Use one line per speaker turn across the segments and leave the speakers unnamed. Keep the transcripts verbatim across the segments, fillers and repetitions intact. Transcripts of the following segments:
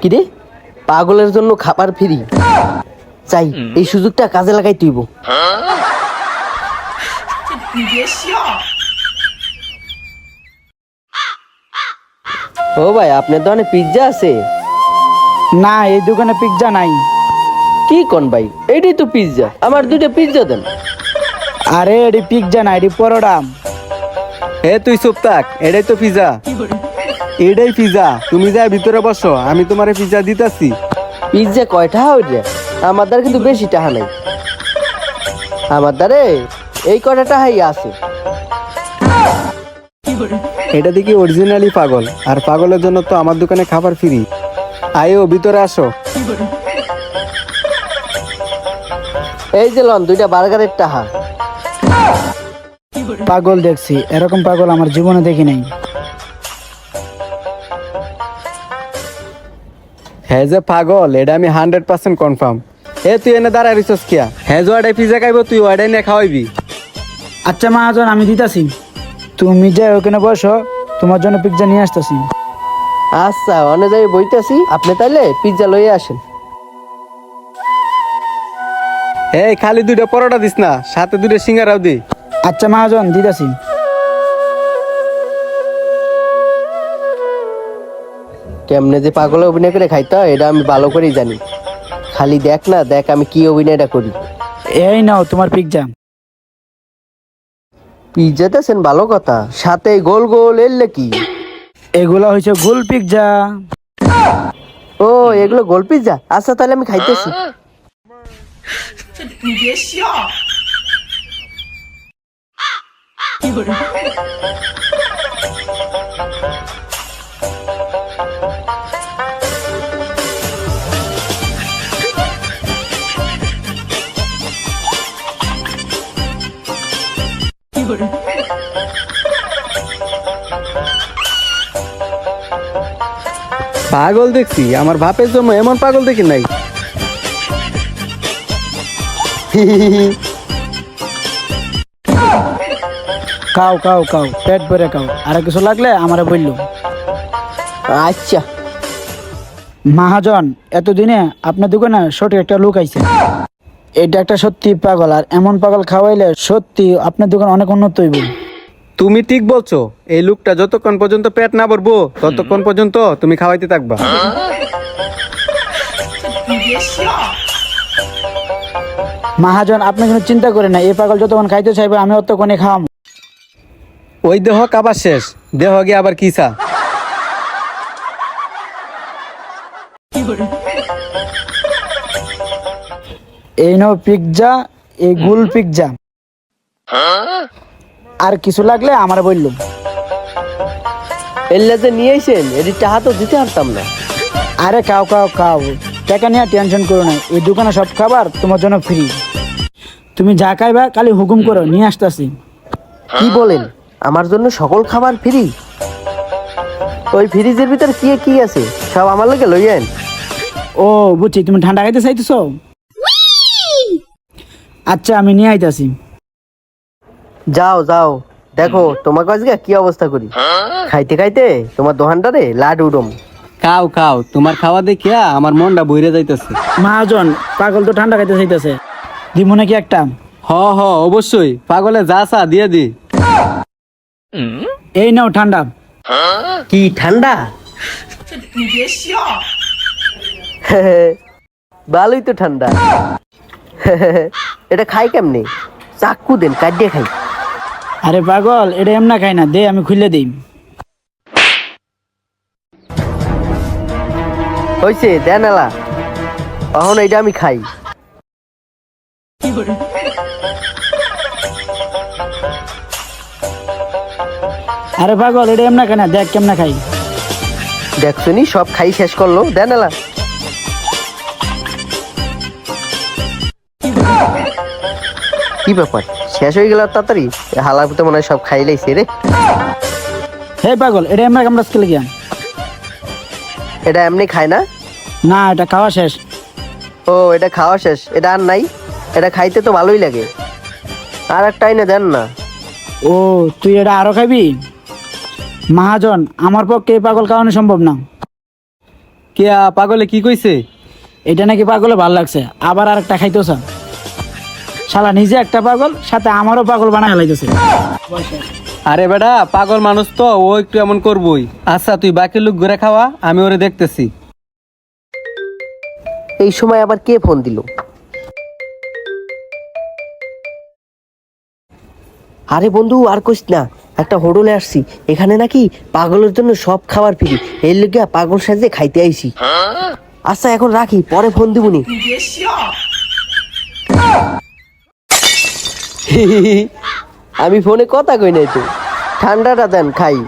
কিরে পাগলের জন্য খাবার ফ্রি চাই, এই সুযোগটা কাজে লাগাই তুইব। ও ভাই, আপনার দোকানে পিৎজা আছে?
না, এই দোকানে পিৎজা নাই।
কি কোন ভাই, এইটাই তো পিৎজা, আমার দুইটা পিৎজা দেন।
আরে এটি পিৎজা না, এটি পরোটা।
এ তুই চুপ থাক, এটাই তো পিজা। এটাই পিজা, তুমি যা ভিতরে বসো, আমি তোমারে পিজা দিতাছি।
পিৎজা কয় টাকা হইছে? আমার দ্বারা কিন্তু বেশি টাকা নাই, আমার দ্বারে এই কয়টা টাকাই আছে।
এটা দেখি অরিজিনালি পাগল, আর পাগলের জন্য তো আমার দোকানে খাবার ফ্রি। আয়ো ভিতরে আসো।
এই যে লন দুইটা বার্গারের টাকা।
পাগল দেখছি, এরকম পাগল আমার জীবনে দেখি নাই।
হ্যাঁ যে পাগল, এটা আমি হান্ড্রেড পার্সেন্ট কনফার্ম। এ তুই এনে দাঁড়ায় রিসোর্স কিয়া, হ্যাঁ যে ওয়াডাই পিজা খাইব, তুই ওয়াডাই নিয়ে খাওয়াইবি।
আচ্ছা মহাজন, আমি দিতাছি, তুমি যে ওখানে বসো, তোমার জন্য পিৎজা নিয়ে আসতেছি।
আচ্ছা, অনেক যাই বইতেছি, আপনি তাইলে পিৎজা লইয়ে আসেন।
এই খালি দুইটা পরোটা দিস না, সাথে দুইটা সিঙ্গারাও দি।
আচ্ছা মহাজন, দিতাছি।
কেমনে যে পাগলে অভিনয় করে খাইতে হয় এটা আমি ভালো করেই জানি। খালি দেখ না, দেখ আমি কি অভিনয়টা করি।
এই নাও তোমার পিৎজা।
পিৎজা দেন, ভালো কথা, সাথে গোল গোল এলে কি?
এগুলা হয়েছে গোল পিৎজা।
ও, এগুলো গোল পিৎজা। আচ্ছা তাহলে আমি খাইতেছি।
পাগল দেখছি, আমার বাপের জন্য এমন পাগল দেখি নাই।
খাও খাও খাও, পেট ভরে খাও, আর কিছু লাগলে আমারে বললো।
আচ্ছা
মহাজন, এতদিনে আপনার দোকানে সঠিক একটা লোক আইছে। এটা একটা সত্যি পাগল, আর এমন পাগল খাওয়াইলে সত্যি আপনার দোকান অনেক উন্নত হইব।
তুমি ঠিক বলছো, এই লোকটা যতক্ষণ পর্যন্ত পেট না ভরবো ততক্ষণ পর্যন্ত তুমি খাওয়াইতে থাকবা।
মহাজন, আপনি কোনো চিন্তা করেন না, এই পাগল যতক্ষণ খাইতে চাইবে আমি অতক্ষণে খাওয়াম।
ওই দেহ কাবার শেষ, দেহ গিয়ে আবার কিসা।
এই নাও পিৎজা, এই গোল পিৎজা। আর কিছু লাগলে আমারে বললো।
এলে যে নিয়ে আইসেন, এটি টাকা তো দিতে পারতাম না।
আরে খাও খাও খাও, টাকা নিয়ে টেনশন করো না, এই দোকানে সব খাবার তোমার জন্য ফ্রি। তুমি যা খাইবা খালি হুকুম করো, নিয়ে আসতেছি।
কি বলেন, আমার জন্য সকল খাবার ফ্রি? ওই ফ্রিজের ভিতর কি কি আছে সব আমার লাগে লইয়েন।
ও বুঝছি, তুমি ঠান্ডা খাইতে চাইতেছো। আচ্ছা আমি নিয়ে আইতাছি।
যাও যাও, দেখো তোমাকে আজকে কি অবস্থা করি। খাইতে খাইতে তোমার দোকানটারে লাড উডম।
খাও খাও, তোমার খাওয়া দেখিয়া আমার মনটা বইরে যাইতেছে।
মহাজন, পাগল তো ঠান্ডা খাইতে চাইতেছে, দিব নাকি একটা?
হ হ অবশ্যই, পাগলে যা চা দিয়ে দি।
এই নাও ঠান্ডা।
কি ঠান্ডা? ভালোই তো ঠান্ডা। এটা খাই কেমনে? চাকু দেন, কাটিয়ে খাই।
আরে পাগল, এটা এমনা খাই না, দে আমি খুলে দিই।
হয়েছে দেন এলা, এখন এইটা আমি খাই।
আরে পাগল, এটা এমনা খাই না, দেখ কেমনা খাই।
দেখছো নি, সব খাই শেষ করলো, দেন এলা। কি ব্যাপার, শেষ হয়ে গেল তাড়াতাড়ি? হালাপুতে মনে হয় সব খাই লাইছে রে।
হে পাগল, এটা এমনা কামড়া স্কেলে গিয়া।
এটা এমনি খায় না?
না, এটা খাওয়া শেষ।
ও, এটা খাওয়া শেষ, এটা আর নাই? এটা খাইতে তো ভালোই লাগে, আর একটা এনে দেন না।
ও, তুই এটা আরো খাবি? মহাজন, আমার পক্ষে এই পাগল খাওয়ানো সম্ভব না।
কে আ, পাগলে কি কইছে?
এটা নাকি পাগলে ভাল লাগছে, আবার আর একটা খাইতেও চান। শালা নিজে একটা পাগল, সাথে আমারও পাগল বানায় লাইতেছে।
আরে বেটা পাগল মানুষ তো, ও একটু এমন করবই। আচ্ছা তুই বাকি লোক ঘুরে খাওয়া, আমি ওরে দেখতেছি।
এই সময় আবার কে ফোন দিল? আরে বন্ধু আর কইস না, একটা হোটেলে আসছি, এখানে নাকি পাগলের জন্য সব খাবার ফ্রি, এই লোকে পাগল সাজে খাইতে আইছি। আচ্ছা এখন রাখি, পরে ফোন দিবনি। আমি ফোনে কথা কই নাই তো, ঠান্ডাটা দেন খাই।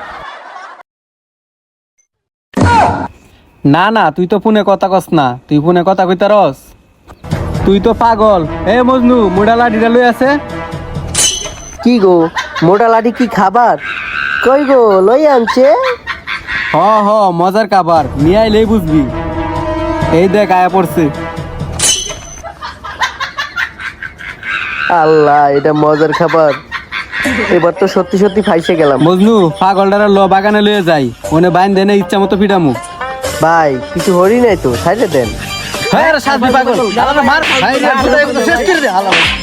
না না তুই তো ফোনে কথা কস না, তুই ফোনে কথা কইতারস। তুই তো পাগল। এ মজনু মুডা লাঠিটা লই আছে।
কি গো, মোটা লাঠি কি খাবার? কই গো লই আনছে?
হ হ মজার খাবার নিয়ে আইলেই বুঝবি। এই দেখ আয়া পড়ছে।
আল্লাহ, এটা মজার খাবার। এবার তো সত্যি সত্যি ফাইসে গেলাম।
মজনু পাগলটারা ল বাগানে লয়ে যাই, ওনে বাইন দেনে ইচ্ছা মতো পিটামু।
ভাই কিছু হরি নাই তো, সাইডে দেন।
হ্যাঁ রে সাথী পাগল, আলাদা মার। ভাই রে, শেষ করে দে আলাদা।